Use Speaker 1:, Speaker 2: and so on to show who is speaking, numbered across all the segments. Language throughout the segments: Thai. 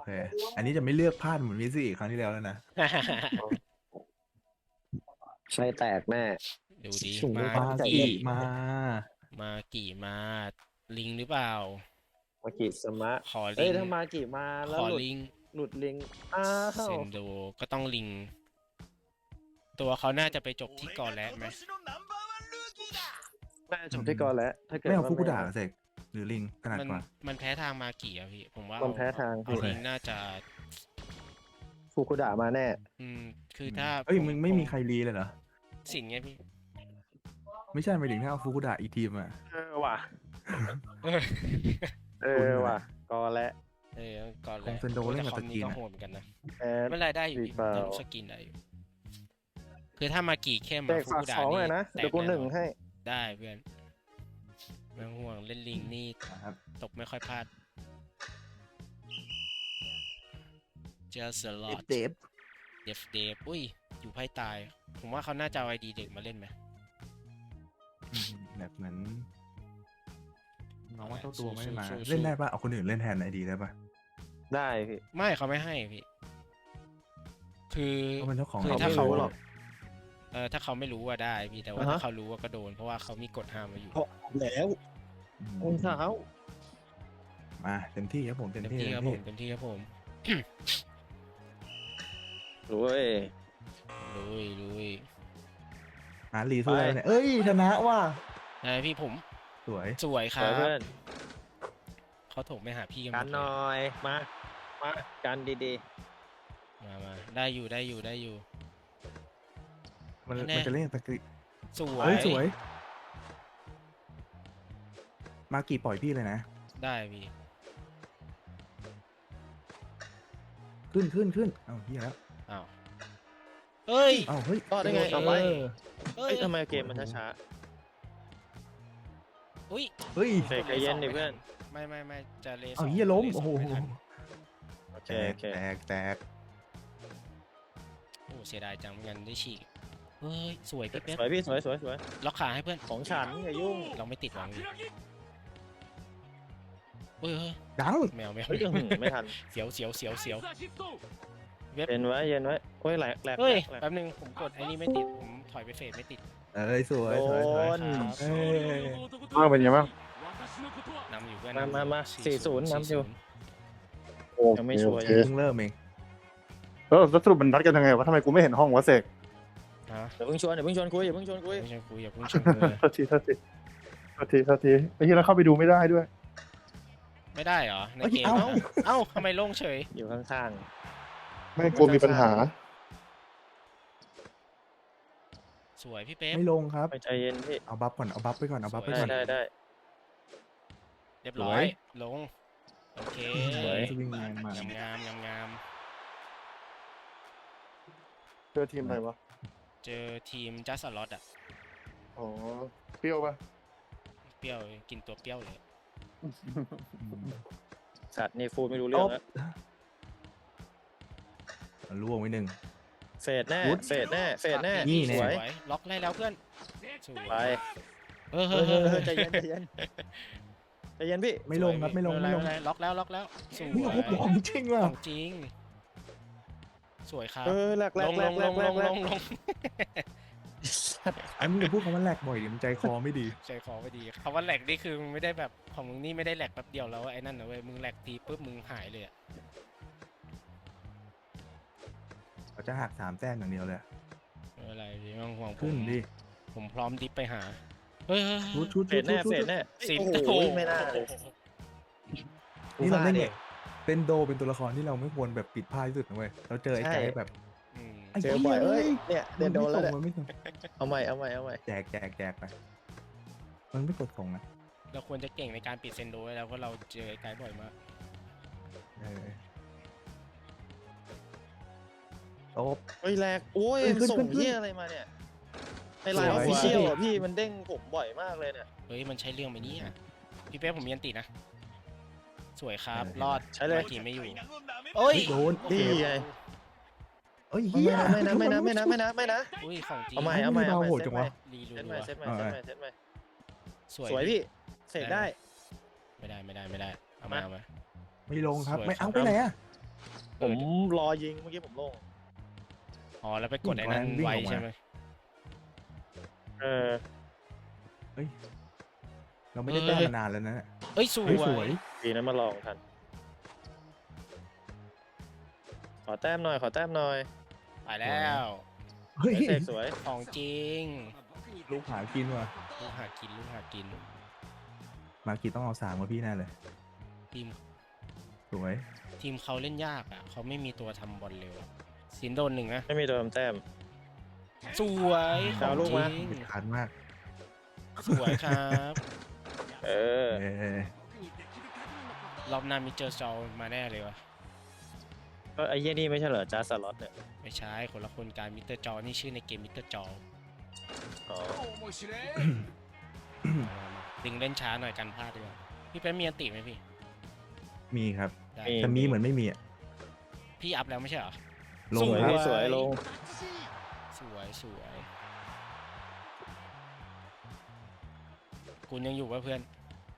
Speaker 1: เคอันนี้จะไม่เลือกพลาดเหมือนมิสซี่ครั้งที่แล้วแล้วนะ
Speaker 2: ใช่แตกแน่
Speaker 3: ดูดิ
Speaker 2: สูง
Speaker 3: มา
Speaker 2: ฟ้าใจ
Speaker 3: กี่
Speaker 1: มา
Speaker 3: มากี่มาลิงหรือเปล่า
Speaker 2: มากิสมะ
Speaker 3: ขอลิ
Speaker 2: เอ้ย
Speaker 3: ง
Speaker 2: ถ้ามากิมาแล้
Speaker 3: ข
Speaker 2: ว
Speaker 3: อ
Speaker 2: หลุด
Speaker 3: ลิง
Speaker 2: หลุดลิงอ้าว
Speaker 3: เซนโดก็ต้องลิง ตัวเขาน่าจะไปจบที่กอและไหม
Speaker 2: น่าจะจบที่ก่อนแล้วถ้าเกิด
Speaker 1: ไม่เอา
Speaker 2: ว่า
Speaker 1: ฟุกุดะเสกหรือลิงขนาด
Speaker 3: มัน
Speaker 1: กว่า
Speaker 3: มันแพ้ทางมากี่อะพี่ผมว่า
Speaker 2: มันแพ้ทาง
Speaker 3: เอาลิงน่าจะ
Speaker 2: ฟุกุดะมาแน่
Speaker 3: คือถ้า
Speaker 1: เอ้ยมึงไม่มีใครรีเลยเหรอ
Speaker 3: สินไงพี่
Speaker 1: ไม่ใช่หมายถึงถ้าเอาฟุกุดะอีกทีมอ่ะ
Speaker 2: ว่ะ
Speaker 3: เออ
Speaker 2: ว่ะก่อนแล้ว
Speaker 3: ก่อนเล
Speaker 1: ขอย งเซนโดเล่นกับ
Speaker 3: คอม
Speaker 1: สกิ
Speaker 3: นี้
Speaker 1: น
Speaker 3: ก็
Speaker 1: อะ
Speaker 3: โหดเหมือนกันนะ
Speaker 2: แอด
Speaker 3: ไม่ไรได้อยู่
Speaker 2: รี
Speaker 3: พี่
Speaker 2: เปล่า
Speaker 3: ทำสกินได้อยู่คือถ้ามากี่เข้ม
Speaker 2: แต
Speaker 3: อะ
Speaker 2: ก
Speaker 3: ฟู
Speaker 2: ฝาก
Speaker 3: กุดะ
Speaker 2: สอง
Speaker 3: นี่
Speaker 2: เลยนะ
Speaker 3: แต
Speaker 2: เดี๋ยวกู
Speaker 3: แอ
Speaker 2: หนึ่งให้
Speaker 3: ได้เพื่อนไม่ต้องห่วงเล่นลิงนี่
Speaker 1: ครับ
Speaker 3: ตกไม่ค่อยพลาดเจอสล็อต
Speaker 1: เดฟ
Speaker 3: เดฟอุ้ยอยู่ไพ่ตาย ผมว่าเขาน่าจะเอาไอดีเด็กมาเล่นไหม
Speaker 1: แบบเหมือนน้องว่าเจ้าตัวไม่มา
Speaker 3: สู้ๆ
Speaker 1: เล่นได้ปะเอาคนอื่นเล่นแทนไอดีได้ปะ
Speaker 2: ได้พี่
Speaker 3: ไม่เขาไม่ให้พี่ คือ
Speaker 1: เพราะเป็นเจ้าของ
Speaker 3: คือ
Speaker 2: เขา
Speaker 3: ถ้า
Speaker 2: ไม่
Speaker 3: เขา
Speaker 2: รู้หรอก
Speaker 3: ถ้าเขาไม่รู้ว่าได้พี่แต่ว่า
Speaker 2: อ่าฮะ
Speaker 3: ถ้าเขารู้ว่าก็โดนเพราะว่าเขามีกฎห้ามมาอยู่
Speaker 2: แล้ว
Speaker 1: อืม
Speaker 2: องเท้า
Speaker 1: มาเต็มที่ครับผมเต็ม
Speaker 3: เต็ม
Speaker 1: ที่
Speaker 3: ที่
Speaker 1: เต็
Speaker 3: ครับ
Speaker 1: ม
Speaker 3: ผ
Speaker 1: ที่
Speaker 3: มเต็มที่ครับผม
Speaker 2: รวย
Speaker 3: ลุย
Speaker 1: หารีสู้ได้เนี่ยเอ้ยชนะว่ะ
Speaker 3: พี่ผม
Speaker 1: สวย
Speaker 3: สวยค
Speaker 2: ส
Speaker 3: รั
Speaker 2: วย
Speaker 3: บ
Speaker 2: เพื่อน
Speaker 3: เขาโถมไม่หาพี่กันหม
Speaker 2: กัน
Speaker 3: ด
Speaker 2: ห
Speaker 3: เล
Speaker 2: น่อย ยมากันดี
Speaker 3: มาได้อยู่
Speaker 1: มัน
Speaker 3: แน่
Speaker 1: มันจะเล่นตะกี้
Speaker 3: สว
Speaker 1: เฮ้
Speaker 3: ย
Speaker 1: ยสวย มากี่ปล่อยพี่เลยนะ
Speaker 3: ได้พี่
Speaker 1: ขึ้นเอาเฮียแล้ว
Speaker 3: อ้าวเฮ้ย
Speaker 1: เอาเฮ้ย
Speaker 2: ๆก็ได้ไง
Speaker 3: โอ
Speaker 2: เอา
Speaker 3: เค
Speaker 2: ไป
Speaker 3: เฮ้
Speaker 2: เอ้
Speaker 3: ย
Speaker 2: ยทำไมเกมมันช้า
Speaker 3: อุ้ย
Speaker 1: เฮ้ย
Speaker 2: เสกใจเย็นดิเพื่อน
Speaker 3: ไม่จะเล
Speaker 1: เอาเฮียล้ม
Speaker 3: เล
Speaker 1: โอ้โห
Speaker 3: ไม่ทัน
Speaker 2: ๆโอเค
Speaker 1: แตก
Speaker 3: โอ้เสียดายจังไม่งั้นได้ฉีกเฮ้ยสวยพี่เป๊ป
Speaker 2: สวยพี่สวยสวยสวย
Speaker 3: ล็อกขาให้เพื่อน
Speaker 2: ของฉันอย่ายุ่ง
Speaker 3: เราไม่ติดหวังพี่เฮ้ย
Speaker 1: ดัง
Speaker 3: แมว
Speaker 2: เฮ้ยอื้อหือไม่ทัน
Speaker 3: เสียวเว็บ
Speaker 2: เย็นไว้เย็นไว้โอ้ยแหลกแหลก
Speaker 3: เฮ้ย
Speaker 2: แหลก
Speaker 3: แป๊บนึงผมกดไอ้นี่ไม่ติดผมถอยไปเฟดไม่ติด
Speaker 1: เอ้ยสวยสวย
Speaker 2: โดน
Speaker 1: เอ้ย
Speaker 4: อ้าวเป็นยังไงบ้าง
Speaker 3: นำอยู่เพื่อน
Speaker 2: มา40นำอยู่
Speaker 4: โอ
Speaker 2: ยังไม่
Speaker 4: เค
Speaker 2: ชั
Speaker 4: โอ
Speaker 2: วร์
Speaker 4: เค
Speaker 1: เพิ่งเริ่มเอง
Speaker 4: แล้วสรุปมันนัดกันยังไงวะทำไมกูไม่เห็นห้องวะเสก
Speaker 3: ฮะ
Speaker 2: อย่าเพิ่งชวนคุยอย่าเพิ่งชวนคุย
Speaker 3: ไม่ใช่คุยอย่าเพิ่งชวนคุยเลย
Speaker 4: โทษทีไอ้ที่เราเข้าไปดูไม่ได้ด้วย
Speaker 3: ไม่ได้เหรอใน
Speaker 1: เอ้ย
Speaker 3: เกม
Speaker 1: เอ้า
Speaker 3: อะเอ้าทำไมโล่งเฉย
Speaker 2: อยู่ข้าง
Speaker 4: ไม่กลัวมีปัญหา
Speaker 3: สวยพี่เป๊ป
Speaker 1: ไม่ลงครับ
Speaker 2: ๆไปใจเย็นพี่
Speaker 1: เอาบัฟก่อนเอาบัฟไปก่อนเอาบัฟไป
Speaker 2: ได้
Speaker 1: ก่อน
Speaker 2: ได้
Speaker 3: เรียบร้อย
Speaker 1: สวย
Speaker 3: ลงโอเค
Speaker 2: สวย
Speaker 1: สวิงแมนมาง
Speaker 3: าม
Speaker 4: เจอทีมอะไรวะ
Speaker 3: เจอทีมจัสลอตอะ
Speaker 4: อ๋อเปรี้ยวปะ
Speaker 3: เปรี้ยวกินตัวเปรี้ยวเลย
Speaker 2: สัตว์นี่ฟูดไม่รู้เรื่องแล้ว
Speaker 1: ล่วงไว้หนึ่ง
Speaker 2: เฟดแน่เฟดแน่เฟดแน่
Speaker 1: นี่แน่
Speaker 2: สวย
Speaker 3: ล็อกได้แล้วเพื่อนสวย
Speaker 2: ไป
Speaker 3: เออ
Speaker 2: เฮ้ยใจเย็นใจเย็นใจเย็นพี่
Speaker 1: ไม่ลงครับไม่ลงไม่ลง
Speaker 3: ล็อกแล้วสวย
Speaker 1: นี่โอ้โหของจริงว่ะ
Speaker 3: ของจริง สวยครับ
Speaker 2: แหลกแหล
Speaker 3: ล
Speaker 2: ก
Speaker 3: ง
Speaker 2: แหล
Speaker 3: ล
Speaker 2: ก
Speaker 3: ง
Speaker 2: แหล
Speaker 3: ล
Speaker 2: ก
Speaker 3: ง
Speaker 2: แหล
Speaker 3: ล
Speaker 2: ก
Speaker 3: ง
Speaker 2: แหล
Speaker 3: ล
Speaker 2: ก
Speaker 3: งลง
Speaker 1: ไอ้มึงจะพูดคำว่าแหลกบ่อยดิมันใจคอไม่ดี
Speaker 3: ใจคอไม่ดีคำว่าแหลกนี่คือมึงไม่ได้แบบของมึงนี่ไม่ได้แหลกแป๊บเดียวแล้วไอ้นั่นนะเว้ยมึงแหลกทีปุ๊บมึงหายเลยอะ
Speaker 1: เขาจะหัก3 แต้มอย่างเดียวเลย
Speaker 3: ไม่เป็นไรพี่ไม่ต้องห่วงผ
Speaker 1: ขึ้น
Speaker 3: ม
Speaker 1: ดิ
Speaker 3: ผมพร้อมดิฟไปหาเฮ้ย
Speaker 1: ชุด
Speaker 2: เฟดแน่เฟดแน่
Speaker 3: สิบ
Speaker 2: โอ้โห
Speaker 3: โอ้โห
Speaker 2: ไม่น่าเลย
Speaker 1: นี่เราเล่น
Speaker 2: ดิ
Speaker 1: เนี่ยเป็นโดเป็นตัวละครที่เราไม่ควรแบบปิดพลาดที่สุดนะเว้ยเราเจอไอ้ไก่แบบ
Speaker 3: อืม
Speaker 1: ไอ้
Speaker 2: เจอบ่อยเอ้ยเนี่ยเดินโดนแล้วเนี่ย
Speaker 1: มันไม่ส่ง
Speaker 2: เอาใหม่
Speaker 1: แจกไปมันไม่กดส่งนะ
Speaker 3: เราควรจะเก่งในการปิดเซนโดไว้แล้วเพราะเราเจอไอ้ไกด์บ่อยมาก
Speaker 1: เออโต๊ะ
Speaker 2: เฮ้ยแหลกโอ้ย
Speaker 1: ขึ้น
Speaker 2: ส่ง
Speaker 1: ขึ้น
Speaker 2: เหี้ยอะไรมาเนี่ยในไลน์ออฟฟิเชียลอ่ะพี่มันเด้งผมบ่อยมากเลยเนี่ย
Speaker 3: เฮ้ยมันใช้เรื่องไหมเนี่ยพี่เป๊ะผมมีอันตินะสวยครับรอด
Speaker 2: ใช้เลย
Speaker 3: ทีไม่อยู่โอ้ย
Speaker 1: โดน
Speaker 2: นี่ไง
Speaker 1: เอ้ยเฮีย
Speaker 2: ไม่นะ
Speaker 3: อุ้ยของจริง
Speaker 2: เอาใหม่
Speaker 1: เบาโหดจังวะ
Speaker 3: รี
Speaker 2: เซต
Speaker 3: รั
Speaker 2: ใหม่
Speaker 3: ว
Speaker 2: เซตใหม่เซตใหม่
Speaker 3: สวย
Speaker 2: สวยพี่เสร็จได้
Speaker 3: ไม่ได้เอามา
Speaker 2: มา
Speaker 3: เอามา
Speaker 1: ไม่ลงครับ
Speaker 3: สวย
Speaker 1: ไม่เอา
Speaker 3: ครับ
Speaker 1: ไปไหนอะ
Speaker 2: ผมรอยิงเมื่อกี้ผมลง
Speaker 3: อ๋อแล้วไปกดไอ้นั่นไว้ใช่ไหม
Speaker 2: เออ
Speaker 1: เฮ้ย เราไม่ได้แต้มมานานแล้วนะ
Speaker 3: เอ้ยส
Speaker 1: เฮ้ยส
Speaker 3: ว
Speaker 1: วย ย
Speaker 2: ดีนะมาลองทัน ขอแต้มหน่อยขอแต้มหน่อย
Speaker 3: ไปแล้ว
Speaker 1: เฮ้ย
Speaker 2: เสกสวย
Speaker 3: ของจริง
Speaker 1: ลูกหากินว่ะ
Speaker 3: ลูกหากินลูกหากิน
Speaker 1: มากิต้องเอา3มาพี่แน่เลย
Speaker 3: ทีม
Speaker 1: สวย
Speaker 3: ทีมเขาเล่นยากอ่ะเขาไม่มีตัวทำบอลเร็วอะสินโดน1นะ
Speaker 2: ไม่มีตัวทำแต้ม
Speaker 3: สวยขอ
Speaker 2: เอา
Speaker 3: ง
Speaker 2: ลูก
Speaker 3: จริ
Speaker 2: มา
Speaker 3: ง
Speaker 1: เด็ดขาดมาก
Speaker 3: สวยครับ
Speaker 2: เออ
Speaker 1: เออ
Speaker 3: รอบหน้ามิเจอร์จอมาแน่เลยวะ
Speaker 2: ก็ไอ้เหี้ยนี่ไม่ใช่เหรอจ้าสล็อตเนี่ย
Speaker 3: ไม่ใช่คนละคนการมิเตอร์จอนี่ชื่อในเกมมิเตอร์จอ
Speaker 2: อ๋อ
Speaker 3: ดึงเล่นช้าหน่อยกันพลาดดีกว่าพี่เป็นมีอันติไหมพี่
Speaker 1: มีครับ
Speaker 3: ได้
Speaker 1: แต่มีเหมือนไม่มีอะ
Speaker 3: พี่อัพแล้วไม่ใช่เหรอ
Speaker 1: ล
Speaker 2: ส
Speaker 1: ง
Speaker 2: วย
Speaker 1: ครับ
Speaker 2: สวยลง
Speaker 3: สวยสวยคุณยังอยู่ป่ะเพื่อน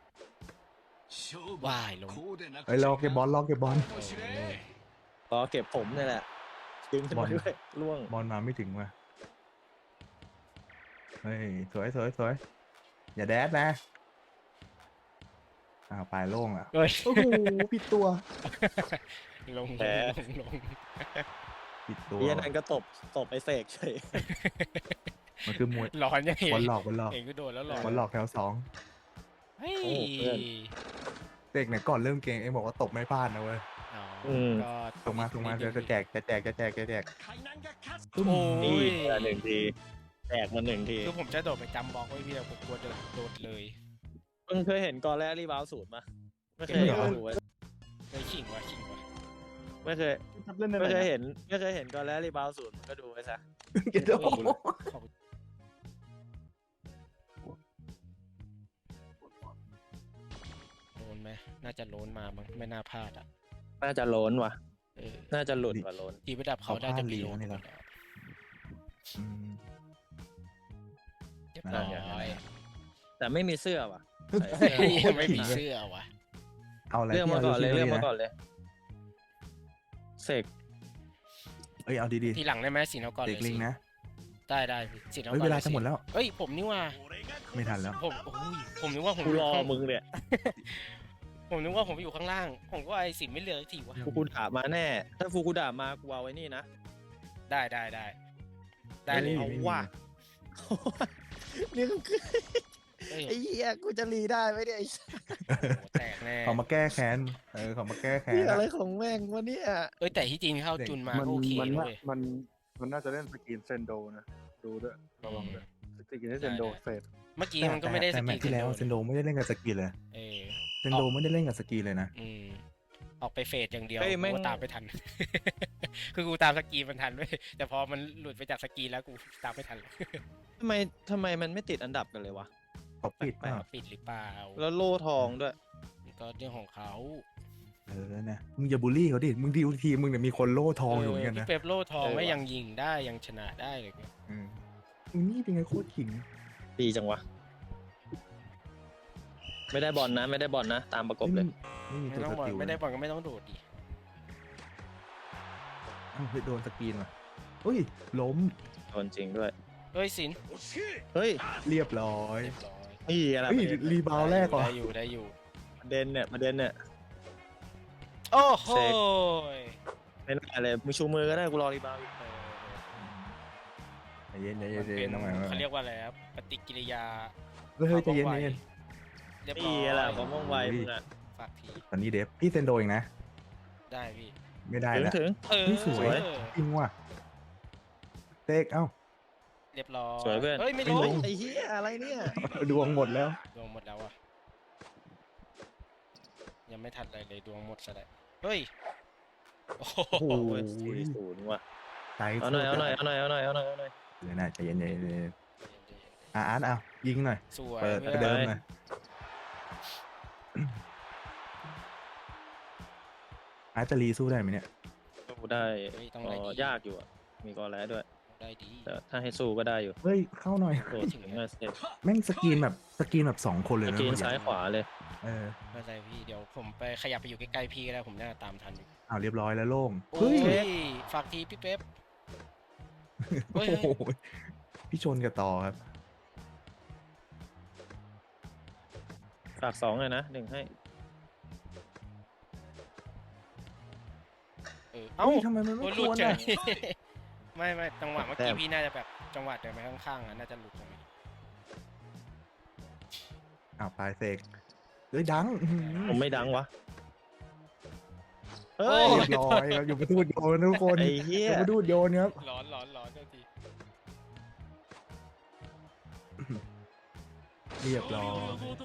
Speaker 3: ว่ายลง
Speaker 1: เฮ้ยรอเก็บบอลรอเก็บบอล
Speaker 2: รอเก็บผมนี่แหละดึงขึ้น
Speaker 1: บอ
Speaker 2: มา
Speaker 1: ล
Speaker 2: ด้วยล่วง
Speaker 1: บอลมาไม่ถึงว่ะเฮ้ยสวยสวยสวยอย่าแดดนะอ้าวปลายโล่งอ่ะ
Speaker 3: เฮ้ย
Speaker 1: โอ้โหผิดตัว
Speaker 3: ลง
Speaker 2: แพ้
Speaker 3: ลง
Speaker 1: ผิดตัว
Speaker 2: เหี้ยนั่นก็ตบไอ้เสกเฉย
Speaker 1: มันคือมวย
Speaker 3: ร้อนยังไง
Speaker 1: บอลหลอกบอลหลอก
Speaker 3: เองก็โดนแล้วหรอบ
Speaker 1: อลหลอกแถวสอง
Speaker 3: เฮ้ย
Speaker 2: โอ้เพื่อน
Speaker 1: เด็กเนี่ยก่อนเริ่มเกมเองบอกว่าตบไม่พลาดนะเว้ย
Speaker 3: อ๋อ
Speaker 2: ม
Speaker 3: ก็
Speaker 1: ส่งมาส่งมาจะแจกจะแจกจะแจกจะแจก
Speaker 3: โอ้
Speaker 2: นี่
Speaker 3: ย
Speaker 2: หนึ่งทีแตกมาหนึ่งที
Speaker 3: คือผมจะโดดไปจำบล็อกไว้พี่แต่ผมกลัวโดดเลย
Speaker 2: มึงเคยเห็นกอแรรีบาวสูตรปะไม่เคย
Speaker 1: ไม่เหรอ
Speaker 2: ดูไว้
Speaker 3: เลยขิงว่ะขิงว่ะ
Speaker 2: ไม่เคย
Speaker 4: เล่นได้
Speaker 2: ไม่เคย
Speaker 4: ไหม
Speaker 2: เห็นไม่เคยเห็นกอแรรีบาวสูตรมึงก็ดูไว้ซะ
Speaker 1: เก็ตโด
Speaker 3: ขอบโลนไหมน่าจะโลนมามั้งไม่น่าพลาดอ่ะ
Speaker 2: น่าจะโล้นว่ะ
Speaker 3: เออ
Speaker 2: น่าจะหลุดว่ะโล้น
Speaker 3: ทีมระดับเขาได้จะมีโลนอยู่แล้ว
Speaker 1: อืม
Speaker 3: เรียบร้อย
Speaker 2: แต่ไม่มีเสื้อว่ะ
Speaker 3: เฮ้ยยังไม่มีเสื้อว่ะ
Speaker 1: เอาอะไร
Speaker 2: เรื่องมาก่อนเลย
Speaker 1: ที่
Speaker 2: เรื่อง
Speaker 1: ดี
Speaker 2: มา
Speaker 1: นะ
Speaker 2: ก่อนเลยเสก
Speaker 1: เอ้ยเอาดี
Speaker 3: ทีหลังได้ไหมสินเอาก่อน
Speaker 1: ๆ
Speaker 3: เล
Speaker 1: เด็
Speaker 3: ย
Speaker 1: กลิงนะ
Speaker 3: ได้ได้พี่สินเอา
Speaker 1: เฮ้ย
Speaker 3: ก่อน
Speaker 1: เวลาจะหมดแล้ว
Speaker 3: เอ้ยผมนี่ว่า
Speaker 1: ไม่ทันแล้ว
Speaker 3: ผมโอ้ยผมนึกว่าผม
Speaker 2: กูรอ
Speaker 3: ข้าง
Speaker 2: มึงเนี่ย
Speaker 3: ผมนึกว่าผมอยู่ข้างล่าง ผมก็ไอ้สินไม่เหลือสักทีวะ
Speaker 2: ฟูกูด่ามาแน่ ถ้าฟูกูด่ามากูเอาไว้นี่นะ
Speaker 3: ได้ได้ได้ได้เลย
Speaker 2: เอา
Speaker 1: ไม่มี
Speaker 2: ว่ะนี่ก็คือ
Speaker 3: เอ้ย
Speaker 2: ไอ้เหี้ยกูจะรีได้ไหมเนี่ยไอ้
Speaker 3: โอ้โหแตกแน่
Speaker 1: เขามาแก้แค้นเขามาแก้แค้น
Speaker 2: เหี้ย
Speaker 1: อะ
Speaker 2: อะไรของแม่งวะเนี่ย
Speaker 3: เอ้ยแต่ที่จริงเข้าจุนมา
Speaker 4: มัน
Speaker 3: ก็โอเค
Speaker 4: มัน
Speaker 3: นะ
Speaker 4: น่า
Speaker 3: เว้ย
Speaker 4: มันน่าจะเล่นสกรีนเซนโดนะ ดูด้วยระวังด้วยสกรีนเซนโดเฟด
Speaker 3: เมื่อกี้มันก็ไม่ได้ส
Speaker 1: แต่แม
Speaker 3: กิ
Speaker 1: ต
Speaker 3: ล
Speaker 1: ช์ที่แล้วเซนโดไม่ได้เล่นกับสกีเลย
Speaker 3: เออ
Speaker 1: เซนโดไม่ได้เล่นกับสกีเลยนะ
Speaker 3: อืมออกไปเฟดอย่างเดียว
Speaker 2: เฮ้ยแม่ง
Speaker 3: กูตามไม่ทัน คือกูตามสกีมันทันเว้ยแต่พอมันหลุดไปจากสกีแล้วกูตามไม่ทันเลย
Speaker 2: ทำไมมันไม่ติดอันดับกันเลยวะ
Speaker 1: เขาปิด
Speaker 2: แปล
Speaker 1: ป่ะ
Speaker 2: ก
Speaker 3: ปิดหรือเปล่า
Speaker 2: แล้วโล่ทองด้วย
Speaker 3: มันก็เรื่องของเขา
Speaker 1: นะมึงอย่าบูลลี่เขาดิมึงดีลทีมึงเนี่ยมีคนโล่ทองอยู่เหมือนกัน
Speaker 3: พี่
Speaker 1: นะ
Speaker 3: เป๊ปโล่ทอง
Speaker 2: เออ
Speaker 3: ไม่
Speaker 2: ว่ะ
Speaker 3: ยังยิงได้ยังชนะได้เลยเนี่ย
Speaker 1: มึงนี่เป็นไงโคตรขิง
Speaker 2: ดีจังวะ ไม่ได้บอลนะ ไม่ได้บอลนะ ตามประกบเลย
Speaker 1: ไม่มี
Speaker 3: ไม่
Speaker 1: ตัว
Speaker 3: ต้อง
Speaker 1: ส
Speaker 3: บอล
Speaker 1: กิล
Speaker 3: ไม่ได้บอลก็ไม่ต้องโดดดิ
Speaker 1: อ้าวเฮ้ยโดนสกรีนว่ะอุ้ยล้ม
Speaker 2: โดนจริงด้วย
Speaker 3: เฮ้ยสิน
Speaker 2: เฮ้ย
Speaker 1: เรียบร้อย
Speaker 3: เรียบร้อย
Speaker 2: นี่อะไร
Speaker 1: เฮ้ย
Speaker 2: ประเด็น
Speaker 1: รีบาวแรกว่ะ
Speaker 3: ได้อยู่ได้อยู่
Speaker 2: ประเด็นเนี่ยประเด็นเนี่ย
Speaker 3: โอ้โห
Speaker 2: เสก ไม่น่าเลยมึงชูมือก็ได้กูรอรีบาวด์อีก
Speaker 1: ใจเย็นใจ
Speaker 3: มัน
Speaker 1: เย็
Speaker 3: เป็น
Speaker 1: นน้องใหม่
Speaker 3: เขาเรียกว่าอะไรครับปฏิกิริยา
Speaker 1: เฮ้ยใจเย็นใจเย็น
Speaker 3: เรียบร้
Speaker 2: นี่
Speaker 3: อย
Speaker 2: แหละความว่องไวมึงอ่ะ
Speaker 3: ฝากที
Speaker 1: ตอนนี้เดฟพี่เซนโดเองนะ
Speaker 3: ได้พี่
Speaker 1: ไม่ได้
Speaker 2: ถึง
Speaker 1: แล้ว
Speaker 2: ถึง
Speaker 3: เออ
Speaker 1: เฮ้ยสวย จริงว่ะเตกเอ้า
Speaker 3: เรียบร้อย
Speaker 2: สวยเพื่อน
Speaker 3: เฮ้ยไม่
Speaker 1: ไม่
Speaker 3: ล
Speaker 1: ล
Speaker 3: ง
Speaker 1: ง
Speaker 2: ไอ้เหี้ยอะไรเนี่ย
Speaker 1: ดวงหมดแล้ว
Speaker 3: ดวงหมดแล้วอ่ะยังไม่ทันอะไรเลยดวงหมดซะแล้วเฮ้ยโอ้โห
Speaker 1: โอ้โห
Speaker 2: โอ้ย4-0ว่ะ
Speaker 1: ใจ
Speaker 2: เอาหน่อยเอาหน่อยเอาหน่อยเอาหน่อยเอาหน่อยเอาหน่อย
Speaker 1: เดี๋ยวนะใจเย็นใจเย็นใจเย็นอาร์ตเอายิงหน่อย
Speaker 3: สวย
Speaker 1: เปิด
Speaker 3: พื่
Speaker 1: ป
Speaker 3: อน
Speaker 1: ระเดิมหน่อยอาร์ตจะรีสู้ได้ไหมเนี่ย
Speaker 2: สู้ได้
Speaker 3: เฮ้ยต้อง
Speaker 2: อ๋
Speaker 3: ได้
Speaker 2: อ
Speaker 3: ดี
Speaker 2: ยากอยู่อ่ะ มีกอแล้ด้วย
Speaker 3: ได้ดี
Speaker 2: แต่ถ้าให้สู้ก็ได้อยู่
Speaker 1: เฮ้ยเข้าหน่อย
Speaker 2: โดดถึงน่าเซฟ
Speaker 1: แม่งสกรีนแบบ2 คนเลย
Speaker 2: ส
Speaker 1: นะ
Speaker 2: กรีน
Speaker 1: เมื่อ
Speaker 2: ซ้ายขวาเลย
Speaker 3: เไม่เป็นไรพี่เดี๋ยวผมไปขยับไปอยู่ใกล้ๆพี่ก็ได้ผมน่าจะตามทันอยู่
Speaker 1: อ้าวเรียบร้อยแล้วโล่ง
Speaker 3: โอ้
Speaker 1: เฮ้ย
Speaker 3: ยฝากทีพี่เป๊ป
Speaker 1: โอ้โหพี่ชนกับต่อครับ
Speaker 2: ฝาก2เลยนะ1ให้
Speaker 3: เอ้า
Speaker 1: เฮ้ยทำไมมัน
Speaker 3: โอ้
Speaker 1: ไม่
Speaker 3: หลุ
Speaker 1: ค
Speaker 3: ด
Speaker 1: วร
Speaker 3: เฉ
Speaker 1: อ่ะ
Speaker 3: ย ไม่จังหวะเมื่อกี้พี่น่าจะแบบจังหวะเดินไปข้างๆอ่ะน่าจะหลุดตรงนี้
Speaker 1: อ้าวปลายเสกเฮ้ยดังอื้อหือ
Speaker 2: ผมไม่ดังวะ
Speaker 3: โอ้
Speaker 2: เฮ้ย
Speaker 1: เรียบร้อยครับอยู่ประตูดโยนนะทุกคน
Speaker 2: ไอ้เหี้
Speaker 1: อย ยู่ประตูดโยนครับ
Speaker 3: ร้อนเจ้าที
Speaker 1: เรียบร้อย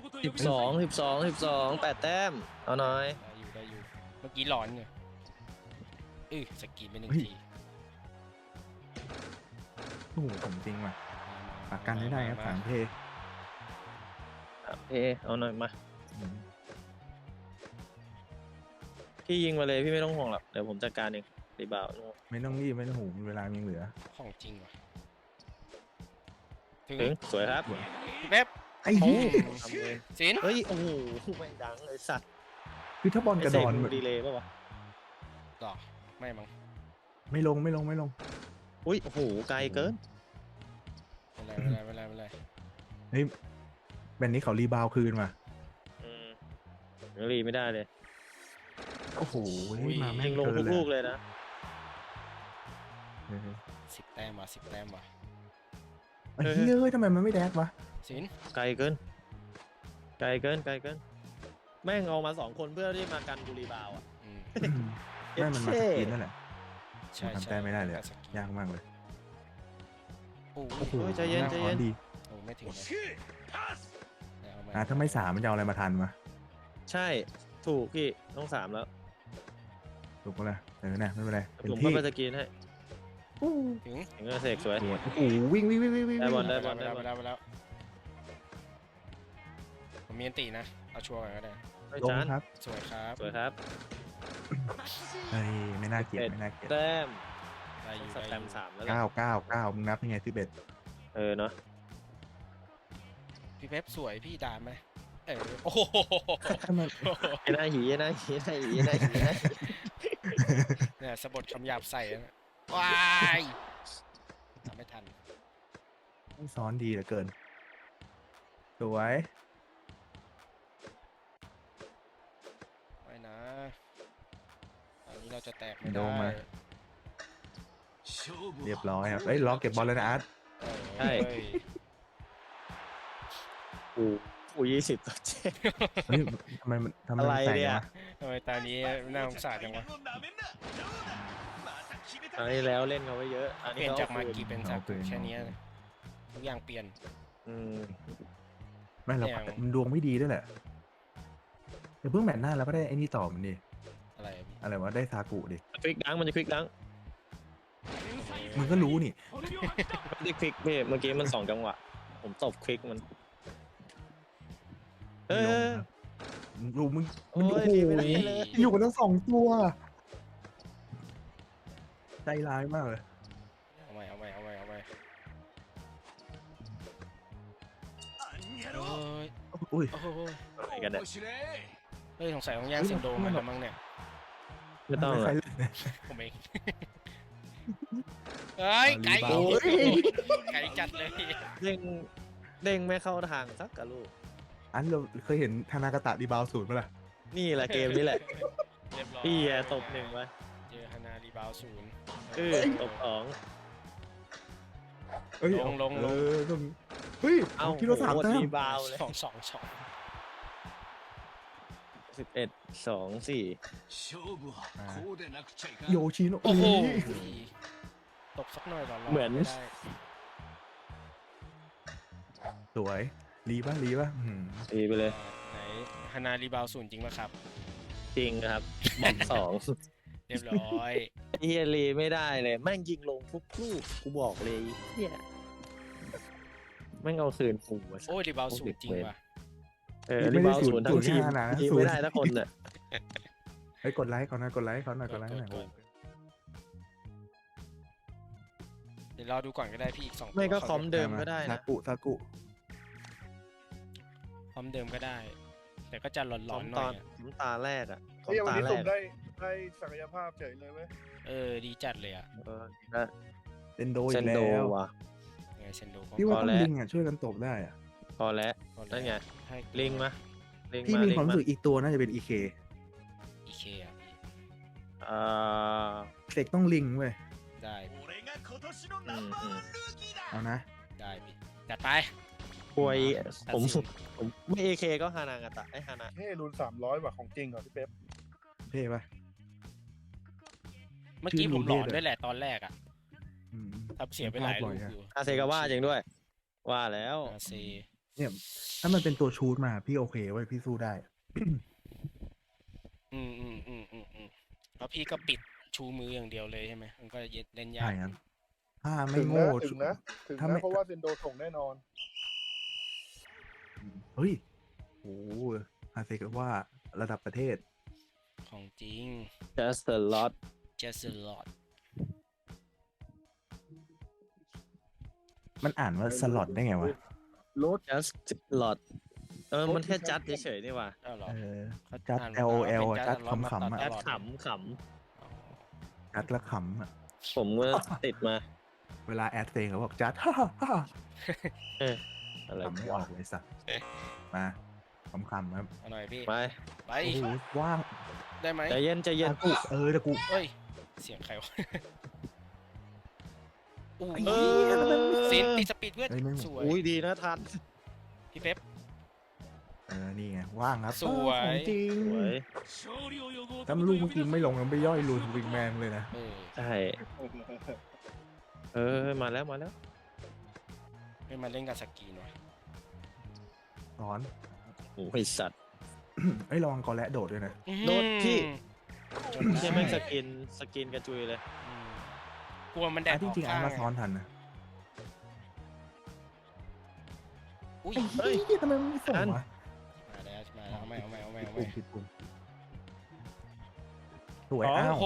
Speaker 2: 12 8 แต้ม เอาหน่อย
Speaker 3: ได้อยู่เมื่อกี้ร้อนเนี่ยสกรีนไป1 ที
Speaker 1: โอ้โหผมจริงว่ะปากกันไม่ได้ครับสามเพ
Speaker 2: เอาหน่อยมา พี่ยิงมาเลยพี่ไม่ต้องห่วงหรอกเดี๋ยวผมจัดการเองรีบาวด์
Speaker 1: ไม่ต้องรีบไม่ต้องหูเวลายังเหลือ
Speaker 3: ของจริงว่ะ
Speaker 2: ถึงสวยครับ
Speaker 3: พี่เป๊ป
Speaker 1: ไอ้เหี้ย
Speaker 2: ทำเอง
Speaker 3: สิน
Speaker 2: เฮ้ย โอ้โห ไม่ดังเลยสัตว์
Speaker 1: คือถ้าบอลกระดอน
Speaker 2: ไเสดีเลยป่ะวะ
Speaker 3: หรอไม่มั้ง
Speaker 1: ไม่ลง
Speaker 2: อุ้ย โอ้โห ไกลเกิน
Speaker 3: ไม่เป็นไร
Speaker 1: เฮ้ยแบบนี้เขารีบาวคืนว่ะ
Speaker 2: ยังรีไม่ได้เลย
Speaker 1: โอ้โหมาแม่
Speaker 2: ยิ
Speaker 1: ง
Speaker 2: งลง
Speaker 1: เกิ
Speaker 2: ทุ
Speaker 1: น
Speaker 2: ก
Speaker 1: เลย
Speaker 2: ลูกเลยนะ
Speaker 3: 10 แต้มว่ะ10 แต้มว่ะ
Speaker 1: ไอ้เหี้ยเฮ้ยทำไมมันไม่แดกวะ
Speaker 3: สิน
Speaker 2: ไกลเกิน แม่งเอามา2 คนเพื่อที่มากันกูรีบาวด์อ่ะ
Speaker 1: ไม่มันมาสกินนั่นแหละ
Speaker 3: ใช่
Speaker 1: ทำแต้มไม่ได้เลยอะ
Speaker 3: สกิ
Speaker 1: ยากมากเลย
Speaker 3: โอ้
Speaker 1: โอ้โห
Speaker 2: ใจเย็น
Speaker 1: าร้อดี
Speaker 3: โหไม่ถึงเลยเอามา
Speaker 1: ถ้าไม่สามมันจะเอาอะไรมาทันวะ
Speaker 2: ใช่ ถูกพี่ ต้อง 3 แล้ว
Speaker 1: ถูกปะล่ะแต่ไม่เป็นไรเป็น
Speaker 2: ผมก็
Speaker 1: ที่
Speaker 2: ไปสกรีนให้
Speaker 3: ถึง
Speaker 2: ถึงก็เสกสวย
Speaker 1: โอ้โหวิ่ง
Speaker 2: ได้บอล
Speaker 3: ไปแล้วผมมีอันตีนะเอาชัวร์ก่อนก็ได้
Speaker 2: ไม่
Speaker 1: ลง
Speaker 2: จาน
Speaker 1: ครับ
Speaker 3: สวยครับ
Speaker 2: สวยครับ
Speaker 1: เฮ้ยไม่น่าเกลียดไม่น่าเกลียด
Speaker 2: แต้ม
Speaker 3: ได้อยู่
Speaker 2: สแตมป์3แล้ว
Speaker 1: 9มึงนับยังไง11
Speaker 2: เนาะ
Speaker 3: พี่เป๊ปสวยพี่ด่าไหมโอ้โห
Speaker 1: ถ้ามัน
Speaker 2: หน้าหี
Speaker 3: เนี่ยสะบดคำหยาบใส่นะว้ายทำไม่ทัน
Speaker 1: ซ้อนดีเหลือเกินสวย
Speaker 3: ไม่นะอันนี้เราจะแตกไม่
Speaker 1: โด
Speaker 3: ได้
Speaker 1: นมาเรียบร้อยครับเฮ้ยล็อกเก็บบอลเลยนะอาร์ต
Speaker 2: ใช่
Speaker 3: เฮ้ย
Speaker 2: กู20-7
Speaker 1: เฮ้ยทำไมมัน
Speaker 2: อะไร
Speaker 1: แตก
Speaker 2: เนี่ย
Speaker 1: วะ
Speaker 3: ทำไมตอนนี้น่าสงสารจังวะ
Speaker 2: อันนี้แล้วเล่นเขาไว้เยอะ อัน
Speaker 3: เป
Speaker 2: นี้
Speaker 3: ลี่ยน
Speaker 2: เขา
Speaker 3: จากมากีเป็นซากุแค่นี้เลยทุกอย่างเปลี่ยน
Speaker 2: อืม
Speaker 1: ไม่เรา
Speaker 3: อย่าง
Speaker 1: มันดวงไม่ดีด้วยแหละเดี๋ยวเพิ่งแมตช์หน้าแล้วก็ได้ไอ้นี่ต่อมันดิ
Speaker 3: อะไรอะพี่
Speaker 1: อะไรวะได้ซากุดิ
Speaker 2: ควิกดังมันจะควิกดัง
Speaker 1: มึงก็รู้นี่
Speaker 2: ไม่ได้ควิกพี่เมื่อกี้มัน2 จังหวะ ผมตบควิกมัน
Speaker 1: ดูมึง
Speaker 2: โอ้ย
Speaker 1: โอ้โห
Speaker 2: ดีไม่ได้เลย
Speaker 1: อยู่กันทั้ง2 ตัวใจร้ายมากเลย
Speaker 3: เอาใหม่โอ้ย
Speaker 1: อุ้ย
Speaker 3: โอ้โห
Speaker 2: อะไรกันเนี่ย
Speaker 3: เฮ้ยสงสัยต้องแย่งเซนโดมันแล้วมั้งเนี่ย
Speaker 2: ไม่ต้องหร
Speaker 1: ใค
Speaker 2: อ
Speaker 1: ร
Speaker 2: ก
Speaker 1: เล่นเนี่ย
Speaker 3: ผมเองเฮ้ยไก่
Speaker 1: รีบาวด์
Speaker 3: ไก่จัดเลย
Speaker 2: เด้งไม่เข้าทางสักกะลูก
Speaker 1: อันเราเคยเห็นธนากาตะรีบาวด์0ป่ะล่ะ
Speaker 2: นี่แหละเกมนี้แหละ
Speaker 3: เรียบร้อย
Speaker 2: พี่แย่ตบ1ไว้
Speaker 3: เจอฮานารีบาวศูนย์
Speaker 2: ตบ2
Speaker 1: เอ้ย
Speaker 3: ลง
Speaker 1: เออต้องเฮ้ย
Speaker 2: เอ้า
Speaker 1: คิดว่า3 แต้ม
Speaker 2: รีบาวเลย
Speaker 3: 2
Speaker 2: 11-2-4
Speaker 1: โยชิโนะ
Speaker 3: โอ้โห
Speaker 1: ย
Speaker 3: ตบสักหน่อยหรอ
Speaker 2: เหมือน
Speaker 3: ไได้
Speaker 1: สวยรีป่ะอืม
Speaker 2: ดีไปเลย
Speaker 3: ไหนฮานารีบาวศูนย์จริงป่ะครับ
Speaker 2: จริงครับบอม2
Speaker 3: เรียบร้อย
Speaker 2: เฮียรีไม่ได้เลยแม่งยิงลงทุกลูกกูบอกเลยเฮียแม่งเอาคืนกูอะ
Speaker 3: โอ้ยรีบาวศูนย์จริงว่ะ
Speaker 2: รีบาวศูนย์ทั้งทีมยิงไม่ได้ทั้งคนอ่ะ
Speaker 1: เฮ้ยกดไลค์ก่อนนะกดไลค์เขาหน่อยกดไลค์หน่อย
Speaker 3: เดี๋ยวรอดูก่อนก็ได้พี่อีก2
Speaker 2: ไม่ก็คอมเดิมก็ได้
Speaker 1: ซา
Speaker 2: นะ
Speaker 1: กุ
Speaker 3: คอมเดิมก็ได้แต่ก็จะหล
Speaker 2: ซ้
Speaker 3: อ
Speaker 2: อน ม
Speaker 3: ๆห
Speaker 2: ต
Speaker 3: น่
Speaker 2: อ
Speaker 3: อน ยอะ
Speaker 2: ซ้อมตาแรกอ่ะซ้อ
Speaker 4: เฮ้ย
Speaker 2: ม
Speaker 4: วัน
Speaker 2: ตา
Speaker 4: นี้
Speaker 2: แร
Speaker 4: สุ่ม
Speaker 2: ก
Speaker 4: ได้ศักยภาพเฉยเลยเว้ย
Speaker 3: ดีจัดเลยอ่ะ
Speaker 2: เออนะ
Speaker 1: เซนโด
Speaker 2: เซ
Speaker 1: อี
Speaker 2: น
Speaker 1: ก
Speaker 2: โด
Speaker 1: แล้ว
Speaker 2: ว่ะ
Speaker 3: เซนโดก็
Speaker 1: พี่ว่าต้อง
Speaker 2: พอแล้ว
Speaker 1: ลิงอ่ะช่วยกันตบได้อ่ะ
Speaker 2: พอแล้วนั่นไง
Speaker 3: ให้
Speaker 2: ลิงมาลิง
Speaker 1: พี่
Speaker 2: มา
Speaker 1: มี
Speaker 2: ลิ
Speaker 1: ค
Speaker 2: ง
Speaker 1: วาม
Speaker 2: มา
Speaker 1: รู้สึกอีกตัวน่าจะเป็นอีเค
Speaker 3: อีเคอ่ะพี่
Speaker 2: อ่า
Speaker 1: เสกต้องลิงเว้ย
Speaker 3: ได้พี่
Speaker 1: เอานะ
Speaker 3: ได้พี่จัดไป
Speaker 2: ป่วย
Speaker 3: ตัด
Speaker 2: ผม
Speaker 3: สิน
Speaker 2: ผมไม่เอเคก็ฮานางาตะไอฮานะ
Speaker 4: เฮ้รุน300ว่ะของจริงเหรอพี่เป๊ป
Speaker 1: เท่ปะ
Speaker 3: เมื่อกี้
Speaker 1: ชื่อ
Speaker 3: ผมหลอน
Speaker 1: รูเดอร์
Speaker 3: ด้วยแหละตอนแรกอ่ะ
Speaker 1: อืม
Speaker 3: ทำเสียไปหลายลูกอยู่
Speaker 2: อาเซกาว่าจริงด้วย ว่าแล้ว
Speaker 3: อาเซ
Speaker 1: เนี่ยถ้ามันเป็นตัวชูดมาพี่โอเคเว้ยพี่สู้ได้
Speaker 3: แล้วพี่ก็ปิดชูมืออย่างเดียวเลยใช่ไหมมันก็เล่นยา
Speaker 1: ใช่
Speaker 3: ก
Speaker 1: ครับถ้าไม่
Speaker 4: ถึง
Speaker 1: โง่
Speaker 4: นะถึงนะ
Speaker 1: ถ้าไม่
Speaker 4: เพราะว่าเซนโดส่งแน่นอน
Speaker 1: เฮ้ยโอ้อาเซกว่าระดับประเทศ
Speaker 3: ของจริง
Speaker 2: just a lot
Speaker 3: just a lot
Speaker 1: มันอ่านว่าสล็อตได้ไงวะ
Speaker 4: รถ
Speaker 2: just a lot มันแค่จัดเฉยๆนี่ว่ะ
Speaker 3: อ้าวเหรอ
Speaker 1: เออ
Speaker 3: เขา
Speaker 1: จัด
Speaker 3: อ่าน
Speaker 1: LOL
Speaker 3: เป็น
Speaker 1: จัด
Speaker 3: จัด
Speaker 1: ขำๆอะ
Speaker 3: ต
Speaker 2: จัด
Speaker 3: ลอด
Speaker 2: ขำข
Speaker 1: จัดละขำอ่ะ
Speaker 2: ำผมก็ติดมา
Speaker 1: เวลาแอดเซงเขาบอกจัด ฮ่าฮ่าฮ่า
Speaker 2: อะไร
Speaker 1: ขำไม่ออกเลยสัตว์มาขำๆครับ
Speaker 3: เอาหน่อยพี่
Speaker 2: ไป
Speaker 3: ไป
Speaker 1: โอ้โหว่าง
Speaker 3: ได้ไหม
Speaker 2: ใจเย็นใจเย็น
Speaker 1: กูแต่กู
Speaker 3: เฮ้ย เสียงใครวะอู้
Speaker 1: ไอ้เหี้ยแล้วมันไม่
Speaker 3: สินติดสปีดเพื่อน
Speaker 1: เฮ้ยไม่หมด
Speaker 3: สวย
Speaker 2: อุ้ยดีนะทัน
Speaker 3: พี่เป๊ป
Speaker 1: นี่ไงว่างครับ
Speaker 3: สวย
Speaker 1: ของจริง
Speaker 2: สวย
Speaker 1: ถ้าลูกเมื่อกี้ไม่ลงมันไปย่อยรูนวิงแมนเลยนะ
Speaker 3: เออ
Speaker 2: ใช่มาแล้วมาแล้ว
Speaker 3: ไม่มาเล่นกับสกีนวะ
Speaker 1: สอน
Speaker 2: โอ้ยสัตว์
Speaker 1: เอ้ยระวังกอและโดดด้วยนะ
Speaker 2: โดดพี่
Speaker 3: จนได้
Speaker 2: เชี่ยแม่งสกินกระจุยเลย
Speaker 3: อืมกลัวมันแดด
Speaker 1: จริงๆ
Speaker 3: อ
Speaker 1: อา
Speaker 3: อก
Speaker 1: ร์มา
Speaker 3: ข้าง
Speaker 1: ซ้อนทันนะ
Speaker 3: อุ้ย
Speaker 2: เฮ้ย
Speaker 1: ทำไมมันไม่ส่งวะ
Speaker 3: มาแล้วเอาไม่
Speaker 1: ผิดปุ่มสวย
Speaker 3: โอ้
Speaker 1: อ้าว
Speaker 3: โห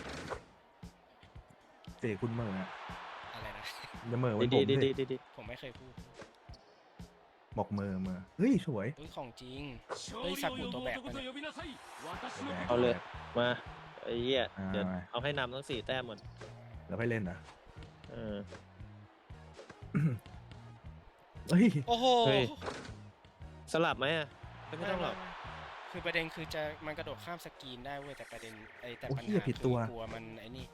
Speaker 1: เตะคุณเหมื่ออะ
Speaker 3: อะไรนะ
Speaker 1: อย่าเหมื่อไว้
Speaker 2: ดี
Speaker 1: ผม
Speaker 2: ดี
Speaker 1: ดิ
Speaker 2: ดีดี
Speaker 3: ผมไม่เคยพูด
Speaker 1: บอกเหมื่อเฮ้ยสวย
Speaker 3: เฮ้ยของจริง เฮ้ยซากุตัวแบกมาเนี่ย
Speaker 2: เอาเลย มาไอ้เหี้ย
Speaker 1: อ่า
Speaker 2: เดี๋ยวเอาให้นำทั้ง4 แต้มหมด
Speaker 1: แล้วไปเล่นนะ
Speaker 2: เออ
Speaker 1: เฮ้ย
Speaker 3: โอ้โห
Speaker 2: เฮ้ย สลับไหมอ่ะไม่ต้องหรอก
Speaker 3: คือประเด็นคือมันกระโดดข้ามสกรีนได้เว้ยแต่ประเด็นแต่
Speaker 1: โอ้
Speaker 3: ปัญ
Speaker 1: เหี้ย
Speaker 3: หา
Speaker 1: ผิด
Speaker 3: คื
Speaker 1: ตัว
Speaker 3: กลัวมันไอ้นี่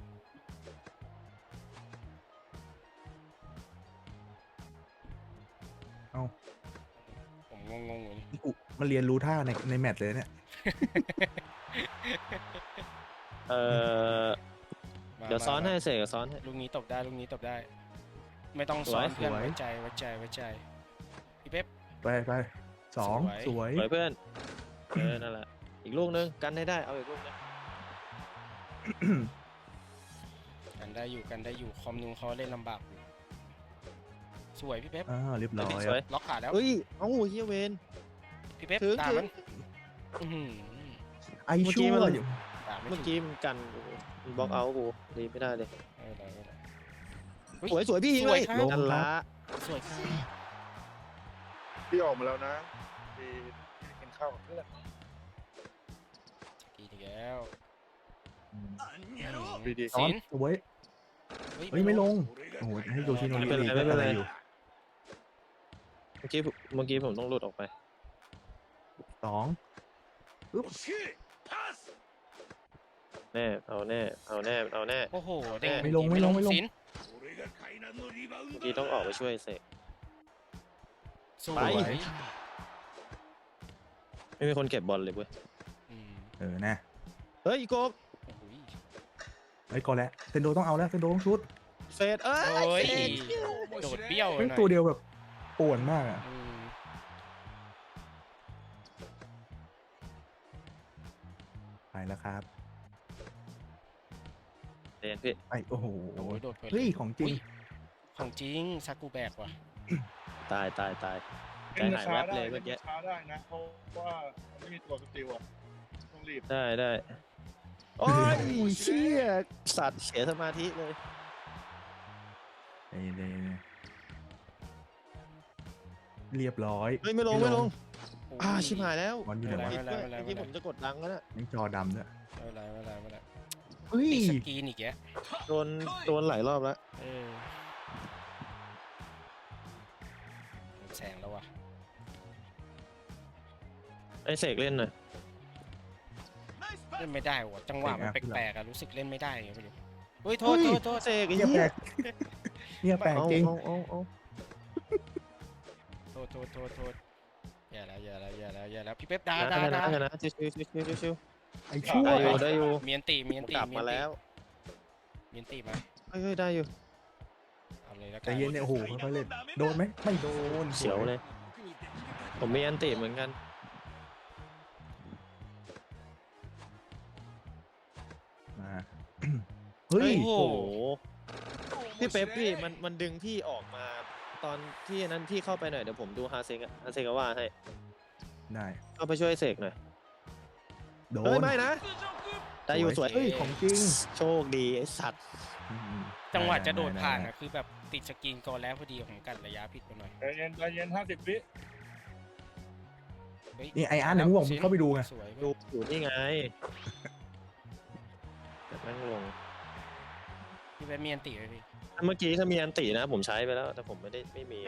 Speaker 1: เอ้า
Speaker 3: ผมงงอยู่นี่
Speaker 1: กูมาเรียนรู้ท่าในแมตช์เลยเนี่ย
Speaker 2: เออ
Speaker 3: มา
Speaker 2: เดี๋ยวซ้อน
Speaker 3: มา
Speaker 2: ให้เสกซ้อนให้
Speaker 3: ลูกนี้ตบได้ลูกนี้ตบได้ ไม่ต้อง
Speaker 2: ส
Speaker 3: ซ้
Speaker 2: ว
Speaker 3: อย นเพื่อน
Speaker 1: สวย
Speaker 3: ไว้ใจพี่เป๊ป
Speaker 1: ไปสอง
Speaker 3: ส
Speaker 1: ส
Speaker 3: ว
Speaker 1: วย ย
Speaker 2: สวยเพื่อน นั่นแหละ อีกลูกนึงกันให้ได้ เอาอีกลูกนึง
Speaker 3: กันได้อยู่คอมนูเขาเล่นลำบากอยู่สวยพี่เป๊ป
Speaker 1: เรียบร้อย
Speaker 2: สวย
Speaker 3: ล็อกขาแล้ว
Speaker 2: เฮ้ย เอ้าเฮียเวน
Speaker 3: พี่เป๊ป
Speaker 2: ถึง
Speaker 3: ตาม
Speaker 2: ถึง
Speaker 3: มันอื้อหือ
Speaker 1: ไอ
Speaker 2: เมื่อ
Speaker 1: ชั่
Speaker 2: กี้
Speaker 1: ว
Speaker 2: มัน
Speaker 1: อยู่
Speaker 3: ตามไม่
Speaker 2: เมื่อ
Speaker 3: ถึง
Speaker 2: กี้มันกันมันบล็อกเอาท์กูดีไม่ได้เลย
Speaker 3: ไม่เป็นไร
Speaker 2: สวยสวยพี่ยิงเลย
Speaker 3: สวยครับ
Speaker 2: นั่นละ
Speaker 3: สวยครับ
Speaker 4: พี่ออกมาแล้วนะพี่กินข้าวกับเพื่อน
Speaker 3: สกีอีกแล้ว
Speaker 4: ดี
Speaker 1: ซ้อน
Speaker 3: สิน
Speaker 1: สวยเฮ้ยไม่ลงโอ้โหให้โยชิโนริรีก็อะไรอยู่
Speaker 2: เมื่อกี้ผมต้องหลุดออกไป
Speaker 1: สองปึ๊บ
Speaker 2: แน่ เอาแน่ เอาแน่ เอาแน่
Speaker 3: โอ้โหเด้ง
Speaker 1: ไม่ลงไม่ลง
Speaker 3: สิน
Speaker 2: เมื่อกี้ต้องออกไปช่วยเสก
Speaker 3: สว
Speaker 2: ไป
Speaker 3: ย
Speaker 2: ไม่มีคนเก็บบอลเลยเว้ย
Speaker 3: อืม
Speaker 1: นะ
Speaker 2: เฮ้ยอีโกบ
Speaker 3: โอ้โห
Speaker 1: ไอ้ยกอแล้วเซนโดต้องเอาแล้วเซนโดต้องชุด
Speaker 2: เฟดเอ้
Speaker 3: โอ้ย
Speaker 2: เฟด
Speaker 3: โดดเบี้ยว
Speaker 1: เป็น
Speaker 3: หน่อย
Speaker 1: ตัวเดียวแบบป่วนมากอ่ะ
Speaker 3: อืม
Speaker 1: ไปแล้วครับ
Speaker 2: เรียนพี่
Speaker 1: ไอ้โอ้โห
Speaker 3: โอ้ยโดดไปล
Speaker 1: เฮ้ยของจริง
Speaker 3: อุ๊ยของจริงซากุแบกว่ะ
Speaker 2: ตาย
Speaker 4: ๆ
Speaker 2: ใจหายแวบเลยเมื่อกี้
Speaker 4: ช้าได้นะ เพราะว่าไม่มีตัวสติลอ่ะต้องรีบ
Speaker 2: ได้ โอ้ยเชี่ยสัตว์เสียสมาธิเลย
Speaker 1: เรียบร้อย
Speaker 2: เฮ้ยไม่ลงชิบหายแล้ว
Speaker 1: บอลอยู่ไหนวะ
Speaker 2: ผิดด้วยเมื่อกี้ผมจะกดดังแล้วนะ
Speaker 1: ยังจอดำด้วย
Speaker 3: ไม่เป็นไร
Speaker 1: เฮ้ย
Speaker 3: ติดสกรีนอีกแก
Speaker 2: โดนหลายรอบแล้ว
Speaker 3: แสงแล้ววะ
Speaker 2: ไอเสกเล่นหน่อย
Speaker 3: เล่นไม่ได้วะจังหวะมันแปลกๆอะรู้สึกเล่นไม่ได้ไงไม่รู้เฮ้ยโทษ
Speaker 2: เสกไอ้
Speaker 1: เงียบ
Speaker 2: เหี้
Speaker 1: แปล
Speaker 2: ย
Speaker 1: กเงียบแปลกจริง
Speaker 2: เอา
Speaker 3: โทษอย่าแล้วพี่เป๊ปด่า
Speaker 2: นะชิว
Speaker 1: ไอ้ชั่ว
Speaker 2: ได้อยู่
Speaker 3: เมียนตี
Speaker 2: กลับมาแล้ว
Speaker 3: เมียนตีมา
Speaker 2: เฮ้ยได้อยู่
Speaker 3: เอาเลยแล้วกั
Speaker 1: ใจเย็นเนี่ยโอ้โหค่อยๆเล่นโดนไหมไม่โดน
Speaker 2: เฉียวเลย ผมมีอันติเหมือนกัน
Speaker 1: มาเฮ้ย
Speaker 2: โอ้โหพี่เป๊ปพี่มันดึงพี่ออกมาตอนที่นั้นพี่เข้าไปหน่อยเดี๋ยวผมดูฮาเซงว่าให้
Speaker 1: ได้
Speaker 2: เข้าไปช่วยเสกหน่อย
Speaker 1: โด
Speaker 2: เฮ้ย
Speaker 1: น
Speaker 2: ไม่นะได้อยู่สวย
Speaker 1: เฮ้ยของจริง
Speaker 2: โชคดีไอ้สัตว์
Speaker 1: อืม
Speaker 3: จังหวะจะโดดผ่านอะคือแบบติดสกรีนก่อนแล้วพอดีของกันระยะผิดไปหน่อย
Speaker 4: ใจเย็น50 วิ
Speaker 3: เฮ้ย
Speaker 1: นี่ไออาร์ตเนี่ยมึงบอกมึงเข้าไปดูไง
Speaker 3: สวย
Speaker 2: ดูอยู่นี่ไงแต่แม่งลง
Speaker 3: พี่เป๊ปเมียนตีเลยพี่
Speaker 2: เมื่อกี้ถ้ามีอันตินะผมใช้ไปแล้ว แต่ผมไม่มี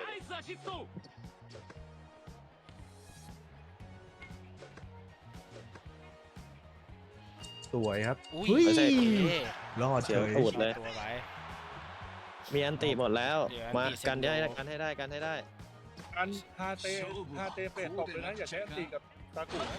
Speaker 1: สวยครับ
Speaker 3: อุ้ย
Speaker 1: เฮ้ย
Speaker 2: ไม่ใช่
Speaker 1: รอดเฉย
Speaker 2: เสียวตูดเลย
Speaker 3: ตัวไว้
Speaker 2: มีอันติหมดแล้ว
Speaker 3: เดี๋ยว
Speaker 2: มา
Speaker 3: อันติ
Speaker 2: กันได้
Speaker 3: เซ็นโด
Speaker 2: กันให้ได้กันให้ได้
Speaker 4: อันฮาเตเฟดตกเลยนะ อย่าใช้อันตีกับตากุนะ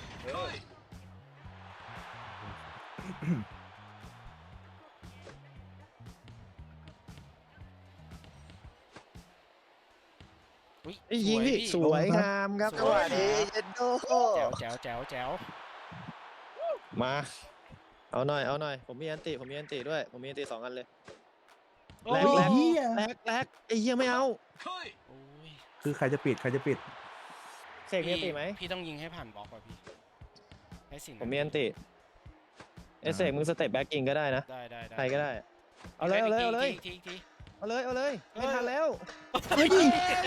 Speaker 3: อุ้ย
Speaker 2: ไอ้ยิงพี่
Speaker 3: ส
Speaker 2: ส
Speaker 3: วย
Speaker 2: วยงามครับจังหวะนี้เย็นโด
Speaker 3: แจ๋ว
Speaker 2: มา เอาหน่อย ผมมีอันติด้วย ผมมีอันติ2 อันเลย
Speaker 3: โอ้
Speaker 2: แร
Speaker 3: ย
Speaker 2: ก
Speaker 1: เหี้ย
Speaker 2: แรกไอ้เหี้ยไม่เอา
Speaker 3: โอ้ย
Speaker 1: คือใครจะปิด
Speaker 2: เสกมีอันติไหม
Speaker 3: พี่ต้องยิงให้ผ่านบล็อกว่ะพี่ให้สิ่ง
Speaker 2: ผมมีอันติเอเสกมึงสเต็ปแบ็กกิ้งก็ได้นะ
Speaker 3: ได้
Speaker 2: ใครก็ได้ เอาเลย
Speaker 3: ที
Speaker 2: เอาเลยไม่ทันแล้ว
Speaker 1: เฮ้ย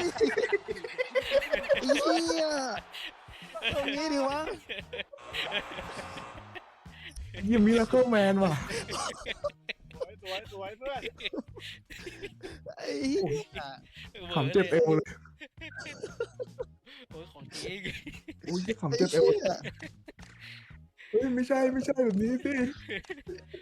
Speaker 2: ไอ้เหี้ยตรงนี้ดิวะ
Speaker 1: ยังมิราเคิลแมนว่ะ
Speaker 4: สวยเพื่อน
Speaker 2: ไอ้เหี้ย
Speaker 1: ขำเจ็บเอวเลย
Speaker 3: โอ้ยของจริง
Speaker 1: อุ้ยขำเจ็บเอวเฮ้ยไม่ใช่แบบนี้สิ